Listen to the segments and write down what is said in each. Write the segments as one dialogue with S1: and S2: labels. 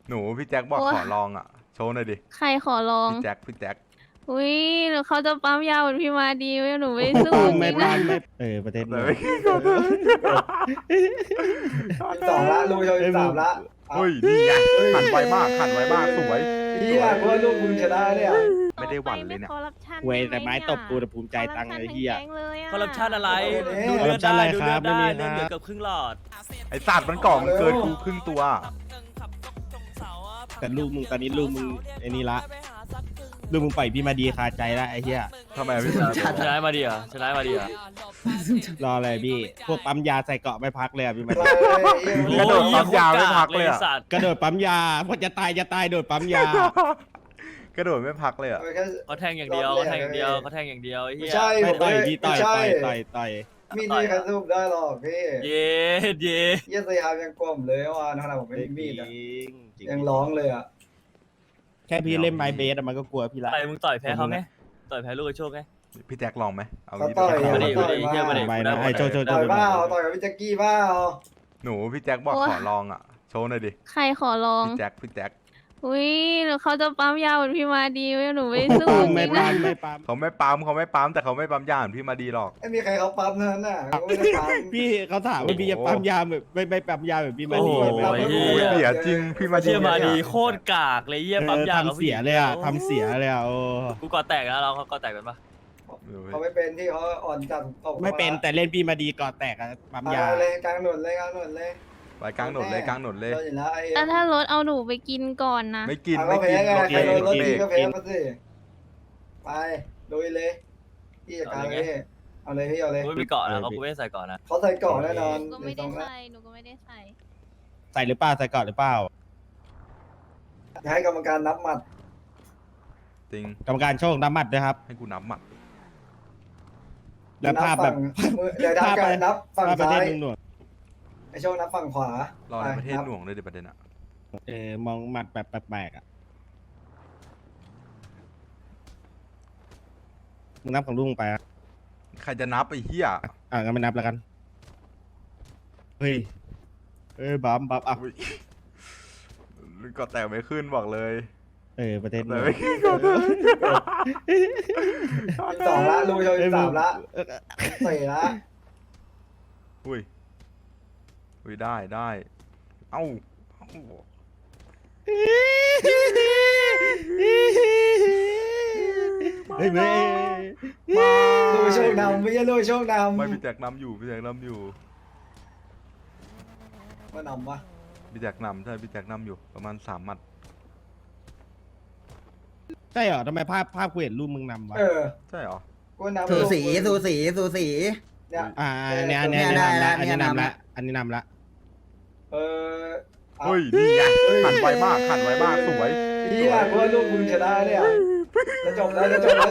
S1: หนูพี่แจ็คบอก
S2: โอ้ย
S1: ขอลองอ่ะโชว์หน่อยดิ
S2: ใครขอลอง
S1: พี่แจ็ค
S2: อุ้ยหรือเขาจะปั๊มยาวเหมือนพี่มาดีไหมหนูไม่สู้จ
S3: ไม่
S2: ริงๆ
S3: ปา
S2: นะ
S3: นไม่ประเทศ
S1: แต่
S3: เมือง
S1: ไม่ขอโทษ
S4: 12ละลูกชน13ละเอา
S1: เฮ้ยนี่ไงหันไวมากสวย
S4: พี่อยากว่าลูกมึงชนะเนี่ย
S1: ไม่ได้หวั่นเลยเนี่ย
S2: คอร์รัปชัน
S3: เวยแต่ไม้ตบกูแต่ภูมิใจตังค์เลยเฮีย
S5: คอร์รัปชันอะไร
S4: ดู
S5: ดู
S4: เลื
S5: เลื
S4: อ
S5: อ
S4: ด
S5: ด
S3: ได้
S5: ได้
S3: ดู
S5: ดู
S3: เลื
S5: เลื
S3: อ
S5: อ
S3: ด
S5: ด
S3: ได้
S5: ได้
S3: ไม่มี
S5: เลือด
S3: นะ
S5: เหลือเกือบครึ่งหลอด
S1: ไอสัตว์มันกล่องเกินกูครึ่งตัว
S3: แต่ลูกมึงตอนนี้ลูกมึงไอ้นี่ละลูกมึงปล่อยพี่มาดีคาใจละไอ้เหี้ย
S1: ทำไมพี่
S5: ชนะมาดีอ่ะชนะมาดีอ่ะ
S3: รออะไรพี่พวกปั๊มยาใส่เกาะไม่พักเลยอะพี่มาดี
S1: กระโดดปั๊มยาไม่พักเลยอะ
S5: สัตว์
S3: กระโดดปั๊มยาพอจะตายโดดปั๊มยา
S1: กระโดดไม่พักเลยอ่ะ
S5: เขาแทงอย่างเดียวเขาแทงอย่างเดียวเขาแทงอย่างเดียวไอ้
S4: ไม่
S5: เหี้ย
S4: ใช่
S3: ไม่ต่อย
S4: ผม
S3: พี่ต่อย
S4: ไม่ใช่
S3: ต่อย
S4: มีดนี่ใครสู้ได้หรอกพี่
S5: เย็ดเย็ด
S4: เยี่ยสยามยังกลมเลยว่าขนาดผมไม่มีมีดอะ
S3: จริ
S4: ยังร้องเลยอ่ะ
S3: แค่พี่เล่นไม้เบสอะมันก็กลัวพี่ละ
S5: ไปมึงต่อยแพ้เขาไงต่อยแพ้ลูกกระโชคไง
S1: พี่แจ็คลองไหมเอา
S4: เขา
S1: งี้
S4: ต่อย
S1: ดีกว่า
S5: มาดิ
S4: เขาต่อย
S5: เหี้ยมาดิ
S3: ไปนะไอ้โจ
S4: ต่อยเปล่าต่อยกับพี่แจ็คกี้เปล่า
S1: หนูพี่แจ็คบอกขอลองอ่ะโชว์หน่อยดิ
S2: ใครขอลอง
S1: พี่แจ็ค
S2: อุ้ยหรือเขาจะปั๊มยาวเหมือนพี่มาดีไหมหนูไม่สู้จ
S3: ไม่
S2: ริงๆ
S3: ปา
S2: นะ
S3: นไม่ปาน
S1: เขาไม่ปั๊มแต่เขาไม่ปั๊มยาเหมือนพี่มาดีหรอก
S4: ไม่มีใครเขาปั๊มเท่านั้นน่ะเขาไม่ได้ปั๊ม
S3: พี่เขาถามว่าพี่จะปั๊มยาแบบไม่ปั๊มยาแบบพี่มาดี
S5: โอ้โห
S3: ไหม
S1: เสียจริงพี่มาดี
S5: เชี่ยมาดีโคตรกากเลยเหี้ยปั๊มยา
S3: ทำเสียเลยอะทำเสียเลยอะโอ้
S5: กูก่อแตกแล้วเราก่อแตกกันปะ
S4: เขาไม่เป็นที่เขาอ่อนจัดตก
S3: ไม่เป็นแต่เล่นพี่มาดีก่อแตกอะปั๊มยา
S4: เลยกลางถนนเลยกลางถนนเลย
S1: ไปกลางหนดเลย
S4: โดนอยู่แล้วไอ้
S2: แล้วถ้ารถเอาหนูไปกินก่อนนะ
S1: ไม่กิน
S4: ก็แพ้ไง
S1: รถ
S4: ใครโดนรถ
S1: เบร
S4: ดี
S1: ก
S4: ก็แพ้มาสิไปลุยเลยพี่จัดการเลยเอาเลยพี่เอาเลย
S5: กูไม่มีเกาะนะเขากูไม่ได้ใส่เกาะนะ
S4: เขาใส่กล่องแน่นอน
S2: หนูก็ไม่ได้ใส่หนูก็ไม่ได้ใส่
S3: ใส่หรือเปล่าใส่ก่อนหรือเปล่า
S4: ให้กรรมการนับหมัด
S1: จริง
S3: กรรมการโชคน้ำมัดนะครับ
S1: ให้กูนับหมัด
S3: แล้วภาพแบบ
S4: เดี๋ยวนับกันนับฝั่ง
S3: ภาพประ
S4: ซ้า
S3: เทศ
S4: ย
S3: หน่วง
S4: ไอโชคนับฝั่งขวาร
S1: อในประเทศหน่วงเลยดิประเด็นอ่ะ
S3: มองหมัดแบบแปลกๆอ่ะมึงนับของลุงไปอ่ะ
S1: ใครจะนับไอ้เหี้ย
S3: งั้นไม่นับแล้วกันเฮ้ยบัมอ่ะ
S1: อุ๊ยก็แต่ไม่ขึ้นบอกเลย
S3: ประเทศห
S1: แต่
S3: น่วง
S1: ไม่ขึ้นก็แต่ไม่ขึ้น
S4: 12ละลูกชน13ละ4ละ
S1: อุ้ยได้เอ้า
S3: เฮ้ยไม่
S1: มา
S4: ลูกโชคนำไม่ใช่ลูกโชคนำ
S1: ไม่พี่แจ็คนำอยู่
S4: มานำวะ
S1: พี่แจ็คนำใช่พี่แจ็คนำอยู่ประมาณ3 หมัด
S3: ใช่เหรอทำไมภาพกูเห็นรูปมึงนำวะ
S1: ใช่เหรอ
S4: กูนำ
S6: สูสี
S4: เนี่ย
S3: อันนี้นำละอันนี้นำละ
S1: เฮ้ยนี่ไงหันไวมากสวย
S4: พี่อยากว่าลูกมึงชนะเนี่ยจะจบแล้วจะจบแล้ว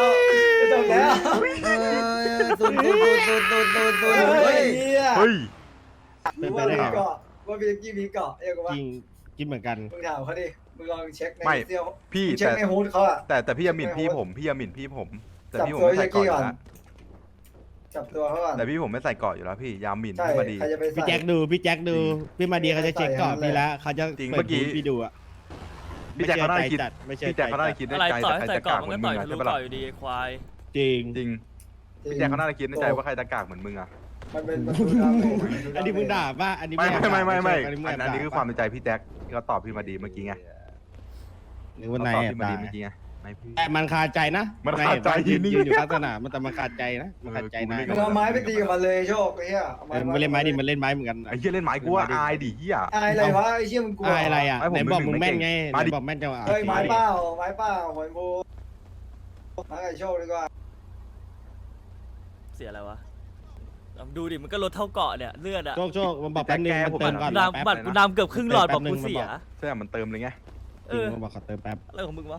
S6: สุด
S4: เฮ้ย
S1: เฮ้ย
S4: ว่ามีเกาะว่าพี่กี้มีเกาะเอ้ยกูว่า
S3: กินเหมือนกัน
S4: มึงถามเขาดิมึงลองเช็คใน
S1: ไม่
S4: เซี่ยว
S1: พี่
S4: เช็คในฮูดเขาอะ
S1: แต่พี่อย่าหมิ่นพี่ผมแต่พี่ผม
S4: จับตัว
S1: ไม่ใส่เกาะอยู่
S4: ก่อน
S1: แล้ว
S4: จับตัวเขาก่อน
S1: แต่พี่ผมไม่ใส่เกาะอยู่แล้วพี่ยามหมิ่น
S4: ใช่
S1: พี่มาดี
S4: ใครจะไป
S3: พี่
S4: ใส่
S3: แจ็คดูพี่มาดีเขาจะเช็คก่อนพี่แล้วเขาจะ
S1: จริง
S3: เปิ
S1: เมื่
S3: ด
S1: อกี้
S3: พี่ดูอ่ะ
S1: พี่แจ็คเขาน่าจะคิด
S3: ไม่ใช่
S1: พี่แจ็คเขาน่าจะคิดใน
S5: อะไร
S1: ใจ
S5: ต่อย
S1: แต่ใคร
S5: ใส่
S1: จะ
S5: เกาะ
S1: กาก
S5: มัน
S1: เหมื
S5: ก็
S1: อนมึงอะใช่
S5: ต่อยทะลุ
S1: ปะล่ะ
S5: เกาะอยู่ดีควาย
S3: จริง
S1: จริงพี่แจ็คเขาน่าจะคิดในใจว่าใครจะกากเหมือนมึงอะ
S4: มันเป็นประตูดำ
S3: อันนี้มึงด่าป่ะอันนี้
S1: ไม่
S3: อันนี้
S1: คือความในใจพี่แจ็คที่เขาตอบพี่มาดีเมื่อกี้ไง
S3: หรือว่า
S1: เขา
S3: นาย
S1: ตอบ
S3: แอบ
S1: พี่มา
S3: ด่า
S1: ดีเมื่อกี้ไงไม่พี่
S3: แต่มันคาใจนะ
S1: มันคาใจ
S3: ยืน
S1: นี่
S3: อยู่ข้างสนามมันแต่มันคาใจนะมันคาใจนาย
S4: มึงเอาไม้ไปตีกับมันเลยโชคไอ้เหี้ย
S3: มันเล่นไม้ดิมันเล่นไม้เหมือนกัน
S1: ไอ้เหี้ยเล่นไม้กูว่าอายดิเหี้ย
S4: อะไรวะไอ้เชี่ยมึงกลัว
S3: อะไรอ่ะ
S1: ไอ้ผม
S3: ไหนบอกมึงแม่นไง
S1: มา
S3: ไหน
S1: ดิ
S3: บอกแม่นจังหวะ
S4: เฮ้ยไม้เปล่าหอยบูมาไอ้โชคดีกว่า
S5: เสียอะไรวะดูดิมันก็ลดเท่าเกาะเนี่ยเลือดอะ
S3: โชคมันบอกแป๊บนึงมันเติมก่อน
S5: กูนำบัตรกูนำเกือบครึ่งหลอดบอกกูเสีย
S1: ใช่มันเติมเลยไง
S3: มันบอกขอเติมแป๊บ
S5: อะไรของมึงวะ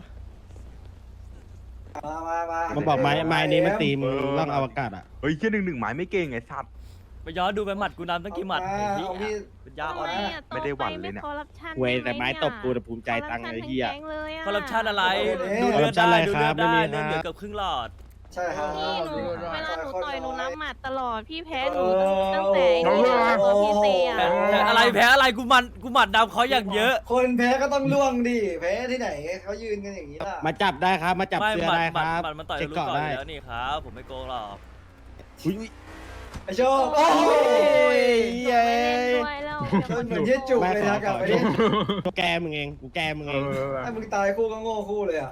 S4: มา
S3: มันบอกไม้นี้มันตีมึงล่องอวกาศอ่ะ
S1: เฮ้ยเหี้ย1-1หมายไม่เก่งไอ้สัตว์
S5: ไปย้อนดูไปหมัดกูนำตั้งกี่หมัดไอ้เหี้
S4: เอาพี่
S5: ยเป็นยาอ่อน
S1: ไม่ได้หวั่นเลยเนี่ย
S2: คอร์รัปชัน
S3: เวยแต่ไม้ตบกูแต่ภูมิใจตังค์ไอ้เหี้ย
S5: คอร์รัปชันอะไร
S4: ดู
S5: ดู
S4: เลื
S5: เลื
S4: อ
S5: อ
S4: ด
S5: ด
S3: ได้
S5: ได้
S3: ดู
S5: ดู
S3: เลื
S5: เลื
S3: อ
S5: อ
S3: ด
S5: ด
S3: ได้
S5: ได้
S3: ไม่มี
S5: เลือดเหลือ
S3: ครับ
S5: เกือบครึ่งหลอด
S4: ใช่ครับ
S2: พี่หนู
S4: ใช่
S2: เวลาหนูต่อยหนูนับหมัดตลอดพี่แพ้หนู
S4: เออ
S2: ตั้งแต่ไอ้นี่ตัวพี่เซอะ
S5: แต่อะไรแพ้อะไรกูหมัดดำเขาอย่างเยอะ
S4: คนแพ้ก็ต้องล่วงดิแพ้ที่ไหนเขายืนกันอย่างนี้ล่ะ
S3: มาจับได้ครับ มาจับ
S5: ไม่
S3: เสื้อ
S5: หมัด
S3: ได้
S5: ห
S3: ค
S5: มัด
S3: รับ
S5: หมัดมันต่อย
S3: เช็
S5: ทะ
S3: ค
S5: ลุ
S3: เกาะ
S5: ก่อนอ
S3: ได้
S5: ยู่แล้วนี่ครับ ผมไม่โกงหรอก
S3: อุ๊ย
S4: ไอโชคโอ้
S3: โอ้
S4: ย
S3: ย
S2: หนูไม่เล่นด้วยแล้ว
S4: มันเหมือนที่จุกเลยนะกลับไปดิ
S3: กูแกมึงเองกูแกมึงเอง
S4: ถ้ามึงตายคู่ก็โง่คู่เลยอ่ะ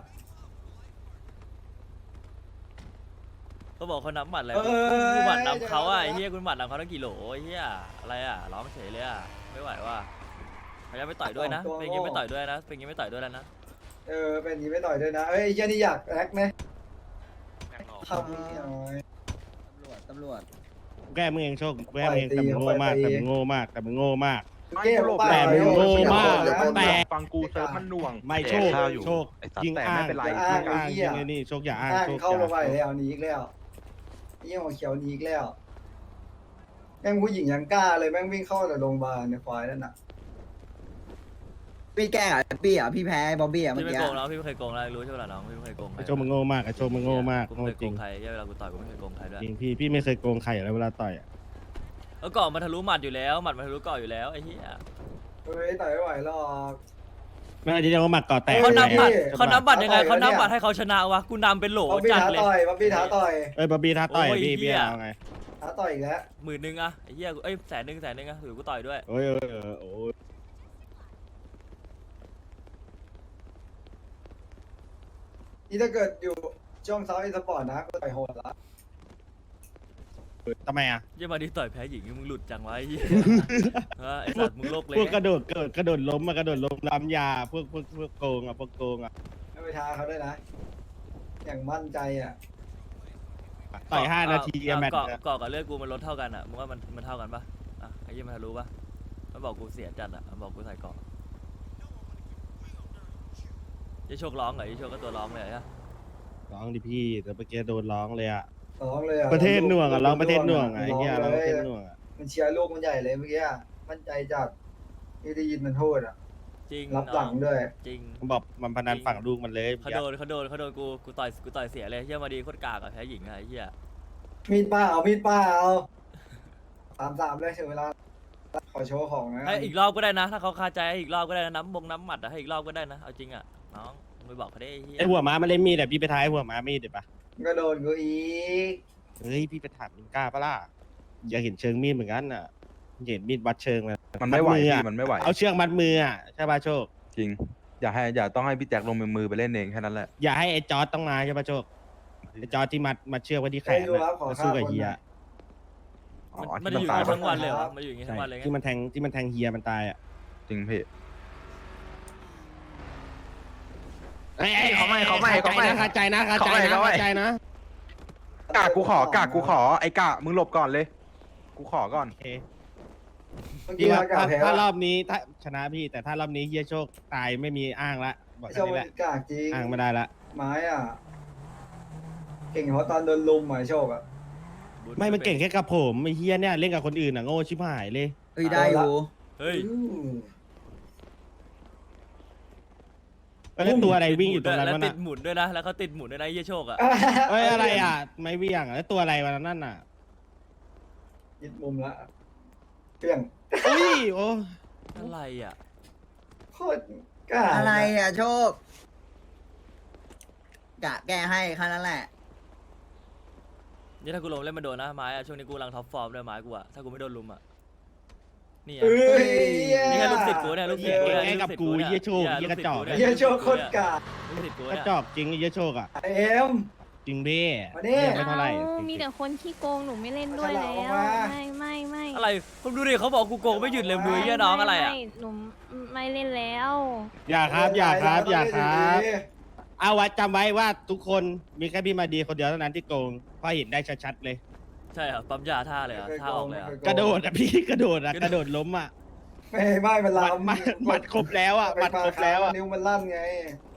S5: เขาบอกเขานับหมัดอะไร
S4: เออ
S5: กูหมัดดำเขาอ่ะไอ้เหี้ยกูหมัดดำเขาตั้งกี่โหลไอ้เหี้ยอะไรอ่ะร้องเฉยเลยอ่ะไม่ไหวว่ะพยายามไม่ต่อยด้วยนะเป็นอย่างงี้ไม่ต่อยด้วยนะเป็นอย่างงี้ไม่ต่อยด้วยแล้วนะ
S4: เป็นอย่างนี้ไม่ต่อยด้วยนะเอ้ยไอ้เหี้ยนี่อยากแอคไหมทำนี่หน่อย
S6: ตำรวจ
S3: กูแกมึงเองโชคกูแกมึงเองแต่มึงโง่มากแต่มึงโง่มากแต่มึงโง่มาก
S4: เก้หรือเปล่า
S3: แต่มึงโง่มาก
S4: แต่
S7: ฟังกูเซิร์ฟมันหน่วง
S3: ไม่โชค
S7: แดกข้าวอยู่
S3: โชค
S7: ไอ้สัตว์
S3: ยิง
S7: แต่
S3: อ้า
S7: ไม่
S3: ง
S7: เป็นไร
S3: ยิงอ้างยิงไอ้นี่โชคอย่าอ้าง
S4: อ้าง
S3: โชค
S4: เข้า
S3: อย่า
S4: ลงไปแล้วหนีอีกแล้วยี่หัวเขียวหนีอีกแล้วแม่งผู้หญิงยังกล้าเลยแม่งวิ่งเข้าแต่โรงพยาบาลในควายนั่นน่ะ
S6: พี่แกล้งอ่ะพี่อ่ะพี่แพ้บ๊อบบี้อ่ะเมื่
S5: พี่
S6: อ
S5: ไม่
S6: กี้
S5: โกงแล้วพี่ไม่เคยโกงแล้วรู้ใช่ไหมล่ะน้องพี่ไม่เคยโกงใคร
S3: ไอ้โชคมึงโง่มากไอ้โชคมึงโง่มาก
S5: กูไม่
S3: โง่
S5: เคย
S3: จ
S5: โก
S3: ริง
S5: งใครเวลากูต่อยกูไม่เคยโกงใครด้วย
S3: จริงพี่ไม่เคยโกงใครอยู่แล้วเวลาต่อยอ่ะ
S5: แล้วก่อนมาทะลุหมัดอยู่แล้วหมัดมาทะลุก่อนอยู่แล้วไอ้เหี้ย
S4: เฮ้ยต่อยไม่ไหวหรอก
S3: ไม่ว่าจะเรียกว่าหมัดก่อแตก
S5: เขานับหมัด
S4: เฮ้ย
S5: เขานับหมัดยังไง
S4: เขา
S5: เขา
S4: ต่อย
S5: นับหมัด
S4: เนี่ย
S5: ให้เขาชนะวะกูนำเป็นโหล
S4: บ๊อบบี้
S5: จัด
S4: ท้า
S5: เลย
S4: ต่อยบ๊อบบี้ท้าต่อย
S3: เอ้ยบอบบี้ท้าต่อย
S5: โอ้ย
S3: พี่
S5: เหี้
S3: พี่
S5: ย
S3: เอาไง
S4: ท้าต่อยอีกแล้ว
S5: 10,000อะไอ้เหี้ยเอ้ย100,000อะถือกูต่อยด้วย
S3: โอ้ยโอ้ย
S4: นี่ถ้าเกิดอยู่ช่องเซาท์อีสปอร์ตนะก็ต่อยโหดละ
S3: ทำไมอ่ะ
S5: เยี่ยมาดิต่อยแพ้หญิงมึงหลุดจังวะไอ้เหี้ยไอ้สัตว์มึงโลกเลย
S3: พวกกระโดดเกิดกระโดดล้มมากระโดดล้มล้ำยาพวกโกงอ่ะพวกโกงอ่ะ
S4: ไม่ไปท้าเขาด้วยนะ อย่างมั่นใจอ่ะ
S3: ต่อย5 นาทีอะแมตช์
S5: เกาะ
S3: อะ
S5: เกาะกับเลือดกูมันลดเท่ากันอะมึงว่ามันเท่ากันปะอ่ะไอ้เหี้ยมันทะลุปะมันบอกกูเสียจัดอะมันบอกกูใส่เกาะยี่โชคร้องเหรอยี่โชคก็ตัวร้องเลยอะ
S3: ร้องดิพี่แต่เมื่อกี้โดนร้องเลยอ่ะ
S4: ร้องเลยอ่ะ
S3: ประเทศหน่วงอ่ะร้องประเทศหน่วงอ่ะไอ้เหี้ยร้องประเทศหน่วงอ่ะ
S4: มันเชียร์ลูกมันใหญ่เลยเมื่อกี้อะมั่นใจจัดที่ได้ยินมันโทษอ่ะ
S5: จริง
S4: รับหลังด้วย
S5: จริง
S3: มันบอกมันพนันฝั่งลูกมันเลย
S5: เขาโดนกูต่อยเสียเลยเฮียมาดีโคตรกากอะแพ้หญิงอะไอ้เฮีย
S4: มีดป้าเอามีดป้าเอา3-3เลยถึงเวลาขอโชว์ของนะ
S5: ให้อีกรอบก็ได้นะ ถ้าเขาคาใจให้อีกรอบก็ได้นะน้ำหมัดอะให้อีกรอบก็ได้นะเอาจริงอะน้องมึงไปบอกเขาได้ไอ้เฮีย
S3: ไอหัวม้ามันเล่นมีดแต่พี่ไปท้ายหัวม้ามีดเดี๋ยวปะ
S4: ก็โดนกูอีก
S3: เฮ้ยพี่ไปถามมึงกล้าปะล่ะอยากเห็นเชิงมีดเหมือนกันอ่ะเห็นมีดวัดเชิงเลย
S7: มันไม่ไหว
S3: มัดมือ
S7: พี่
S3: อะ
S7: มันไม่ไหว
S3: เอาเชือกมัดมืออ่ะใช่ป่ะโชค
S7: จริง อย่าต้องให้พี่แจ็คลงมือไปเล่นเองแค่นั้นแหละ
S3: อย่าให้ไอ้จอร์ดต้องมาใช่ป่ะโชคไอ้จอร์ดที่มัดเชือกไว้ที่แขน
S4: ให้ดูครับขอ
S3: มา
S4: ค่า
S3: สู้กับ
S4: คน
S3: เฮีย
S4: หน่อย
S7: อ๋อ
S5: มัน
S7: ที่
S5: อยู่
S7: ตาย
S5: ทั้งวันเลยเหรอมันอยู่อย่างงี้
S3: ใช่
S5: ทั้งวันเลยไง
S3: ที่มันแทงเฮียมันตายอ่ะ
S7: จริงพี่
S3: เขาไม่คาใจนะคาใจนะ
S7: กากกูขไอ้กะมึงหลบก่อนเลย กูขอก่อน
S3: โอเค
S4: เมื่อ
S3: พี่
S4: กี้
S3: ว่า
S4: อากาศแพ้
S3: ถ้ารอบนี้ถ้าชนะพี่แต่ถ้ารอบนี้เฮียโชคตายไม่มีอ้างละบอก
S4: โช
S3: แค่
S4: ว์
S3: นี้
S4: มั
S3: แหละ
S4: นกากจริง
S3: อ้างไม่ได้ละ
S4: ไม้อ่ะ เก่งเพราะตอนโดนลุมหมายโชคอ่ะ
S3: ไม่มันเก่งแค่กับผมไอ้เฮียเนี่ยเล่นกับคนอื่นอ่ะโง่ชิบหายเลย
S6: เฮ้ยได้อยู่
S5: เฮ้ย
S3: แล้วตัวอะไรวิ่งอยู่ตรงนั้น
S5: แล้ว
S3: วะ
S5: ติ
S3: น่ะ
S5: ดหมุนด้วยนะแล้วเขาติดหมุนด้วยนะเฮียโชคอะ
S3: เฮ้ยอะไรอ่ะไม่เวี่ยงอ่ะแล้วตัวอะไรวะนั่นน่ะ
S4: ยึดมุมละเปรี้ยง
S3: อุ้ยโอ้
S5: อะไรอะ
S4: โคตรกล้า
S6: อะไรอ่ะโชคกะแก้ให้แค่นั้นแหละ
S5: นี่ถ้ากูลงเล่นมาโดนนะไม้อะช่วงนี้กูกำลังท็อปฟอร์มด้วยไม้กูอะถ้ากูไม่โดนลุมอะนี่อะ
S4: เอ้ย
S5: นี่แค่ลูกศิษย์กูเนี่ยลูกศิษย์กู
S3: เก่ง
S5: เนี่ย
S3: แค่กับกูเฮียโชคเฮียกระจอก
S4: เฮียโชคโคตรกล้า
S5: ลูกศิษย์กู
S3: กระ
S5: เนี่ย
S3: จอกจริงเฮียโชคอ่ะ
S4: ไอเอ็ม
S3: จริงเบ้
S4: มาดิ
S3: เหี้ยไม่เท่าไหร่
S2: มีแต่คนขี้โกงหนูไม่เล่นด้วยแล้ว ไม่
S5: อะไรผมดูดิเขาบอกกูโกงไม่หยุดเลยมึงดูไอ้เหี้ยน้องอะไรอะ
S2: ม่หนูไม่เล่นแล้ว
S3: อย่าครับอย่าครับเอาไว้จำไว้ว่าทุกคนมีแค่พี่มาดีคนเดียวเท่านั้นที่โกงเพราะเห็นได้ชัดๆเลย
S5: ใช่เหรอปั๊มยาท่าเลยเหรอท่าออกเลยเหรอ
S3: กระโดดอ่ะพี่กระโดดอ่ะกระโดดล้มอ่ะ
S4: ไม่มัน
S3: หมัด
S4: ลำ
S3: หมัดครบแล้วอ่ะหมัดครบแล้วอ่ะ
S4: นิ้วมันลั่นไง
S3: เ